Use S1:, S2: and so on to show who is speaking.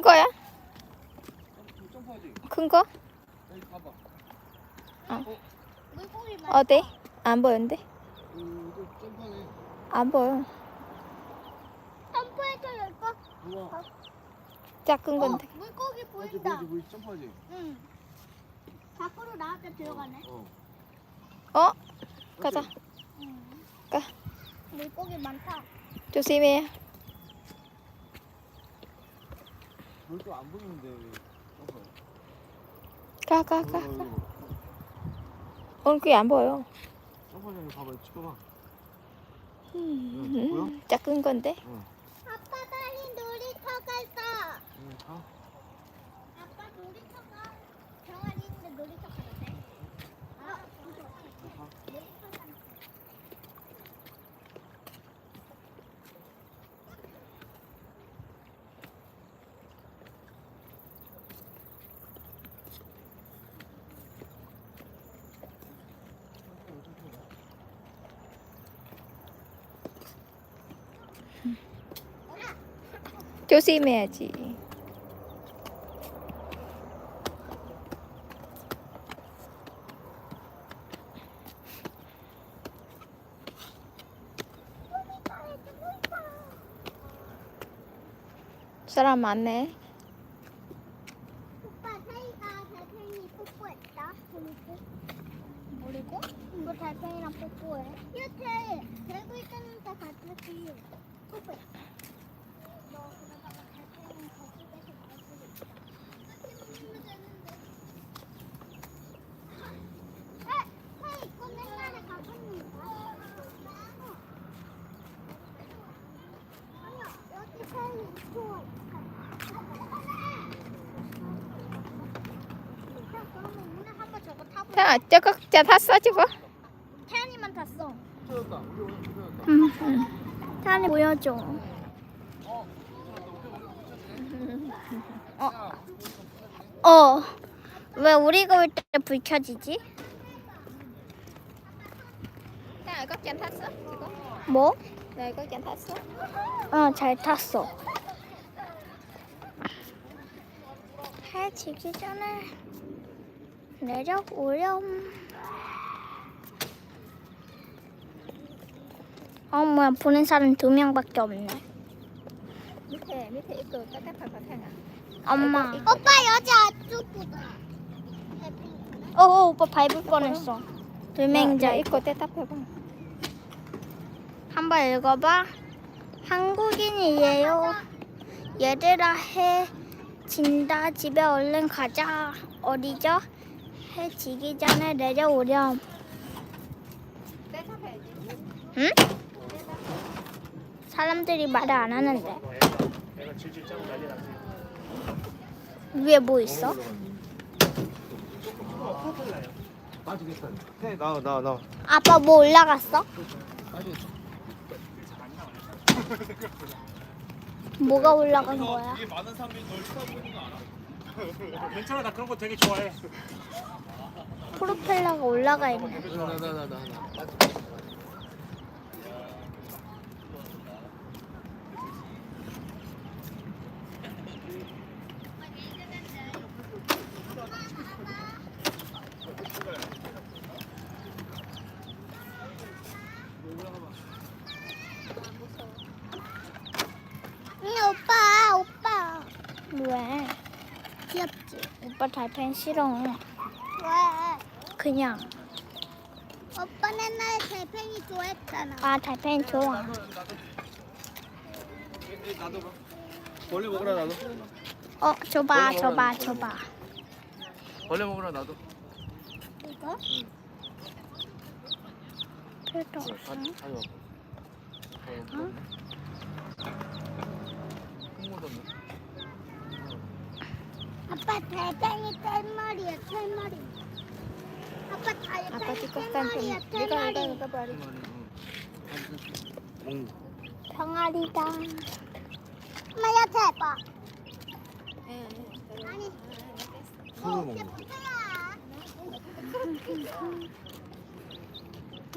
S1: 큰 거야?
S2: 점프하지.
S1: 큰 거?
S2: 여기 가봐.
S3: 물고기 많다.
S1: 어디? 안 보이는데?
S2: 이거 점프하네.
S1: 안 보여.
S3: 점프해서 열거.
S2: 우와.
S1: 작은 건데.
S3: 물고기
S2: 하지
S3: 보인다.
S2: 보이지 점프하지.
S3: 응. 밖으로 나왔다 들어가네.
S1: 어? 가자.
S3: 응.
S1: 가.
S3: 물고기 많다.
S1: 조심해.
S2: 별도 안 보이는데 왜 점프해?
S1: 가. 얼굴이 안 보여.
S2: 점프하는 거 봐봐. 찍어봐. 보여?
S1: 작은 건데.
S3: 아빠 빨리 놀이터 갈까?
S2: 응, 가.
S3: 아빠 놀이터가 병아리 있는데 놀이터 가도 돼? 놀이터 가는 거.
S1: 조심해야지. 사람 많네.
S3: 오빠 사이가 달팽이 뽀뽀했다. 모르고? 이거 달팽이랑 뽀뽀해. 이렇게 들고 있다는 데 같이 뽀뽀해. 너 그러다가 달팽이 거북에서 나올 수도 있다. 같이 먹으면 되는데. 사이 이거 옛날에 가봤는데. 아니야, 여기 사이 있어. 그러면 오늘 한번 저거 타보자.
S1: 자, 저거 자 탔어 저거.
S3: 태연이만 탔어.
S2: 찾았다. 우리 오늘 찾았다.
S3: 태연이 보여줘. 왜 우리가 올 때 불 켜지지?
S1: 자, 이거 짠 탔어 지금?
S3: 뭐?
S1: 나 이거 짠 탔어?
S3: 잘 탔어. 해 지기 전에 내려오렴. 뭐야, 보는 사람 2명밖에 없네.
S1: 밑에 이거 따뜻할 것 같아.
S3: 엄마. 오빠 여자 앞쪽보다. 오빠 밟을 뻔했어. 돌멩이자
S1: 이거 따뜻해봐.
S3: 한번 읽어봐. 한국인이에요. 얘들아, 해 진다. 집에 얼른 가자. 어디죠? 해 지기 전에 내려오렴.
S1: 따뜻해야지.
S3: 응? 사람들이 말을 안 하는데.
S4: 내가 질질 짜고 난리 났지.
S3: 위에 뭐 있어?
S2: 빠지겠다. 해 나와.
S3: 아빠 뭐 올라갔어?
S2: 빠지겠다.
S3: 뭐가 올라간 거야?
S4: 이게 많은 사람들이 널 쳐다보는 거 알아? 괜찮아, 나 그런 거 되게 좋아해.
S3: 프로펠러가 올라가 있네.
S2: 나.
S3: 오빠. 왜? 귀엽지? 오빠 달팽이 싫어. 왜? 그냥. 오빠 옛날에 달팽이 좋아했잖아. 달팽이 좋아.
S2: 나도 봐. 벌레 먹으라 나도.
S3: 줘봐.
S2: 벌레 먹으라 나도.
S3: 이거? 필요 없어. 아빠 달팽이 털머리야, 털머리. 아빠 달팽이 털머리야, 털머리.
S1: 이거 봐리.
S3: 병아리다. 엄마 옆에 봐. 아니.
S2: 손으로 먹는 거.
S3: 예쁘다.